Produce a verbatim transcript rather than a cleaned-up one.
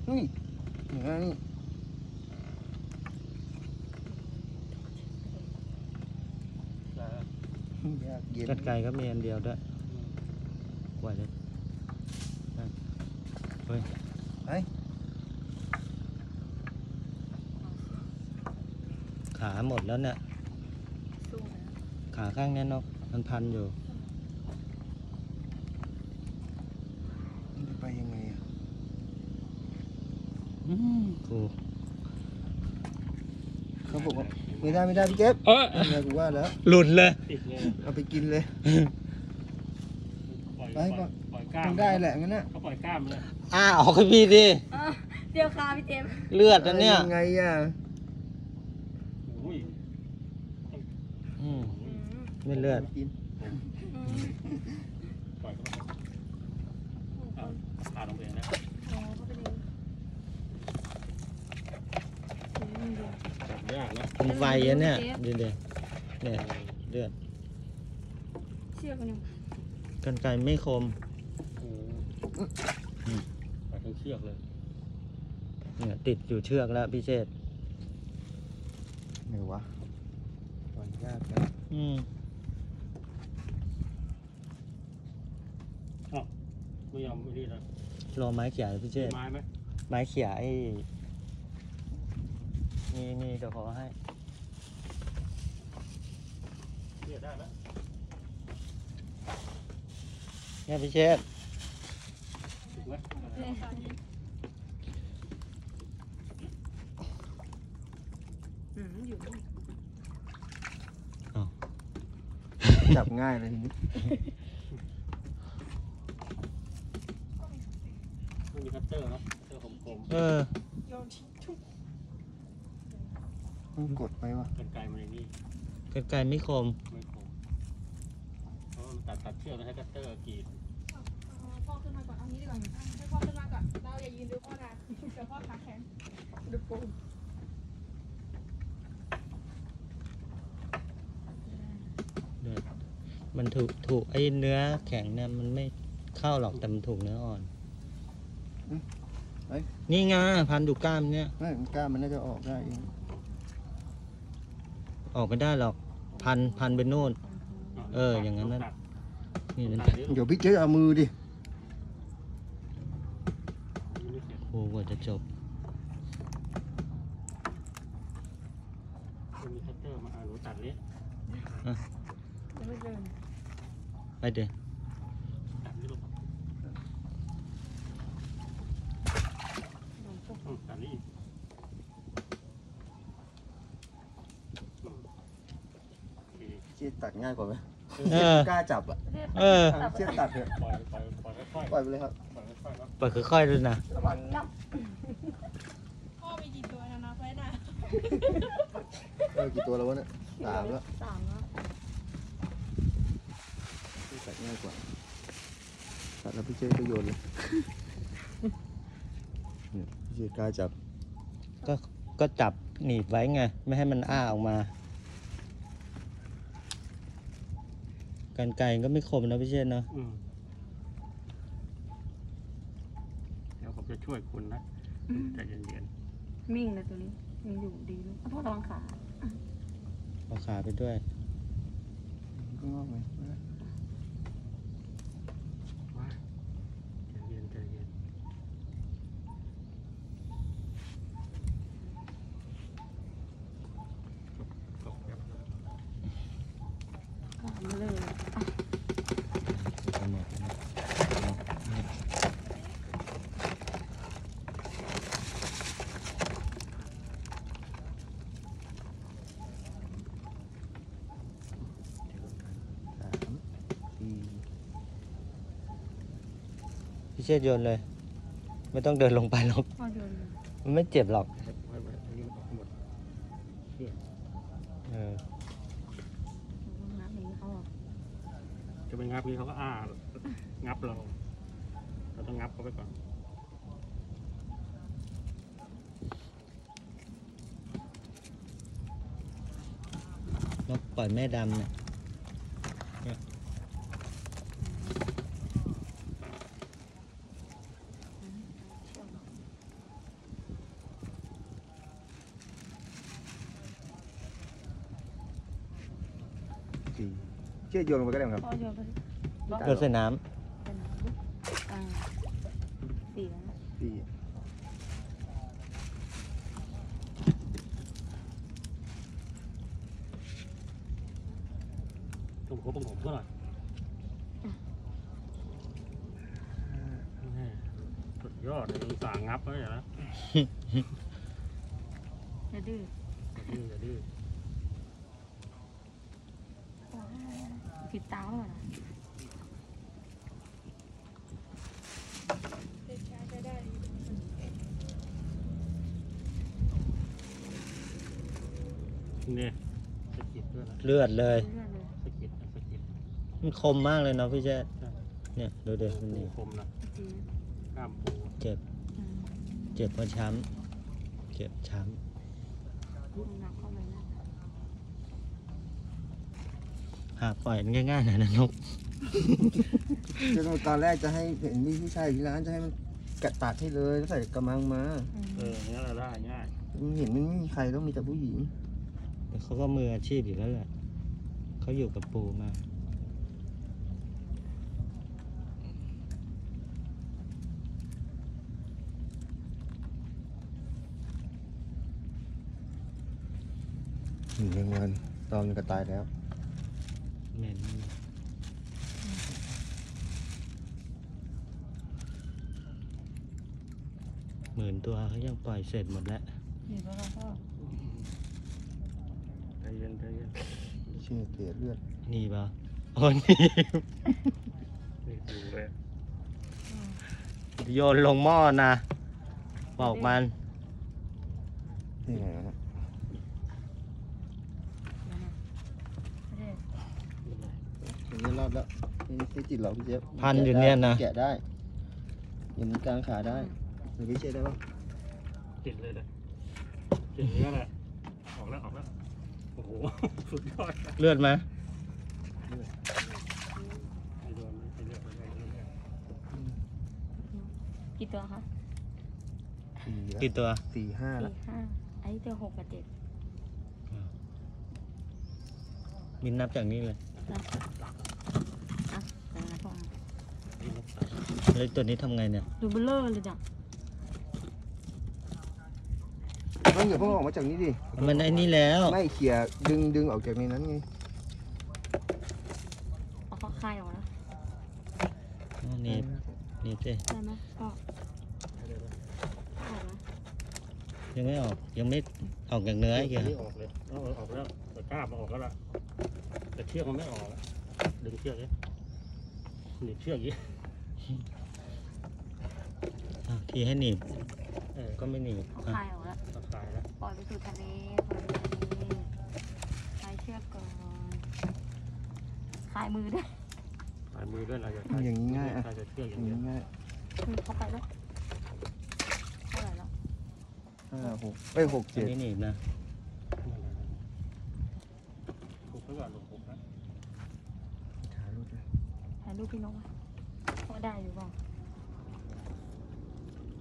นี่อย่างนี้ยากเย็นกรรไกรก็มีอันเดียวด้วยกว่าจะเฮ้ยไปขาหมดแล้วเนี่ยขาข้างนี้นกมันพันอยู่ไปยังไงอ่ะอืมกูเขาบอกว่าไม่ได้ไม่ได้พี่เก็บเอออะไรกูว่าแล้วหลุดเลยติดเลยเอาไปกินเลยปล่อยไปปล่อยปล่อยกล้าต้มองได้แหละงั้นน่ะเขาปล่อยกล้ามเลยอ้าออกให้พี่ดิอ่ะเดี๋ยวค่ะพี่เจมส์เลือดนะเนี่ยยังไงอ่ะโอ้ยอืมอืมไม่เลือดกินอืมปล่อยเขาไปเอาขาดลงไปเองนะอ๋อเขาเป็นเองอืมเดี๋ยวจับยากนะเป็นไฟอะเนี่ยดูดิเนี่ยเลือดเชือกมันยังกรรไกรไม่คมโอ้อืมปล่อยทั้งเชือกเลยเนี่ยติดอยู่เชือกแล้วพี่เชษฐ์ไหนวะปล่อยยากนะอืมไม่ยอมไม่รีดนะรอไม้เขี่ยพี่เชษฐ์ไม้ไหมไม้เขี่ยไอ้นี่นี่เดี๋ยวขอให้เรียดได้ไหมเนี่ยพี่เชษฐ์ถูกไหมอืมอยู่นี่จับง่ายเลยทีนี้ไม่มีคัตเตอร์เนาะคัตเตอร์คมเออโยนทิ้งทุกต้องกดไปวะๆกันไกลมาในนี่กรรไกรไม่คมไม่คมเพราะว่ามันตัดตัดเชือกแล้วให้คัตเตอร์กรีดพ่อขึ้นมาก่อนเอางี้ดีกว่าให้พ่อขึ้นมาก่อน เราอย่ายืนดูพ่อนานเดี๋ยวพ่อขาแข็งดูปูมันถูกถูกไอ้เนื้อแข็งเนี่ยมันไม่เข้าหรอกแต่มันถูกเนื้ออ่อน นี่ไงพันอยู่กล้ามเนี่ยไม่มันกล้ามันน่าจะออกได้เองออกไม่ได้หรอก พันพันไปโน่น เอออย่างนั้นนั่นตัดนี่มันตัดดิเดี๋ยวพี่เจ๊เอามือดิไม่เสร็จโอ้กว่าจะจบไม่มีคัตเตอร์มาอ่าหนูตัดนี้ยังไม่เดินไปเดี๋ยวตัดนี่ลูกโดนปุ๊บอืมตัดนี่อีกอืมโอเคพี่เจ๊ตัดง่ายกว่าไหมเออกล้าจับอ่ะเออพี่เจ๊ตัดเถอะปล่อยปล่อยปล่อยค่อยๆปล่อยไปเลยครับปล่อยค่อยๆเนาะเปิดค่อยๆด้วยนะระวังนับพ่อมีกี่ตัวนะนับไว้นะเออกี่ตัวแล้ววะเนี่ยสามแล้วสามแล้วตัดง่ายกว่าตัดแล้วพี่เจ๊ก็โยนเลยเนี่ยพี่เจ๊กล้าจับก็ก็จับหนีบไว้ไง ไม่ให้มันอ้าออกมา กรรไกรก็ไม่คมนะพี่เชษฐ์เนาะอืมเดี๋ยวผมจะช่วยคุณนะใจเย็นมิ่งเลยตัวนี้ยังอยู่ดีเลยพ่อระวังขาเอาขาไปด้วยก็งอกไหมๆว่าใจเย็นใจเย็นขามาเลยไปหมดนะสามสี่พี่เชษฐ์โยนเลย ไม่ต้องเดินลงไปหรอกพ่อเดินมันไม่เจ็บหรอกไว้ไว้อันนี้มันออกหมดเออน้ำอย่างนี้เขาบอกจะไปงับนี้เขาก็อ้า งับเรา เราต้องงับเขาไปก่อนนกปล่อยแม่ดำเนี่ยเชือกโยนลงไปก็ได้ครับพ่อโยนไปสิโยนใส่น้เป็นน้ำลูกอ่าสี่แล้วนะพี่ผมเขาผมผมก็หน่อยแม่สุดยอดเลยอุตส่าห์งับไว้อย่างนะอย่าดื้ออย่าดื้ออย่าดื้อผิดตาเปล่านะเด็กชายใช้ได้เนี่ยสะกิดด้วยนะำเลือดเลยเลื่อนเลยสะกิดนะสะกิดมันคมมากเลยเนาะพี่แจ๊ดใช่เนี่ยดูเด็กมันปูนี่คมนะจีนกล้ามปูเจ็บอืมเจ็บเพราะช้ำเจ็บช้ดูหนักเข้าไปนะำหาปล่อยมันง่ายๆหน่อยนะนกคือตอนแรกจะให้เห็นมีผู้ชายอยู่ที่ร้านจะให้มันกะตัดให้เลยแล้วใส่กระมังมาอืมเอออย่างนี้เราได้ง่ายมันเห็นมันไม่มีใครต้องมีแต่ผู้หญิงแต่เขาก็มืออาชีพอยู่แล้วแหละเขาอยู่กับปูมาหนึ่งเงินตอนมันก็ตายแล้วเหม็นหมื่นตัวเขายังปล่อยเสร็จหมดแล้วอยู่แล้วเราก็ใจเย็นใจเย็นเชื่อเสียเลือดนี่ปะโอ้นี่นี่ดูเลยโยนลงหม้อนะบอกมันนี่ไงนะเดี๋ยวนะไม่ได้อย่างนี้รอดแล้วนี่ไม่ติดหรอกพี่เจ๊พันอยู่เนี่ยนะแกะได้อย่างนี้กลางขาได้หรือพี่เจ๊ได้ปะติดเลยเลยติดอย่างนี้แหละออกแล้วออกแล้วโอ้โหสุดยอดเลือดไหมไม่โดนไม่เลือกไม่เลือกไม่เลือกกี่ตัวคะสี่แล้วกี่ตัวสี่ห้าแล้วสี่ห้าไอ้ตัวหกกับเจ็ดมินนับจากนี้เลยนะอ่ะแต่ละพอนี่นกสาแล้วตัวนี้ทำไงเนี่ยดูเบลเลอร์เลยจ้ะต้องอย่าเพิ่งออกมาจากนี้ดิมันไอ้นี่แล้วไม่เขี่ยดึงดึงออกจากในนั้นไงเอาเขาคายออกแล้วอ๋อนี่นี่สิได้ไหมก็ออกนะยังไม่ออกยังไม่ออกจากเนื้ออีกเหรอไม่ออกเลยเอาออกแล้วแต่กล้ามาออกแล้วล่ะแต่เชือกมันไม่ออกอะดึงเชือกเลยหนีบเชือกยี่อ่ะทีให้หนีบเออก็ไม่หนีบเขาอ่ะคายออกแล้วตัดสายแล้วปล่อยไปสู่ทะเลปล่อยไปทะเลคลายเชือกก่อนคลายมือด้วยสายมือด้วยเราจะอย่างนี้ง่ายอ่ะใครจะเชือกออย่างย่างนี้เงี้ยง่ายมือเข้าไปแล้วเท่าไหร่แล้วห้าหกเอ้ยหกอัเจ็นดนี้หนีบนะถูกไว้ก่อนถูกนะถ่ายรูปเลยถ่ายรูปพี่นกไว้พอได้อยู่เปล่า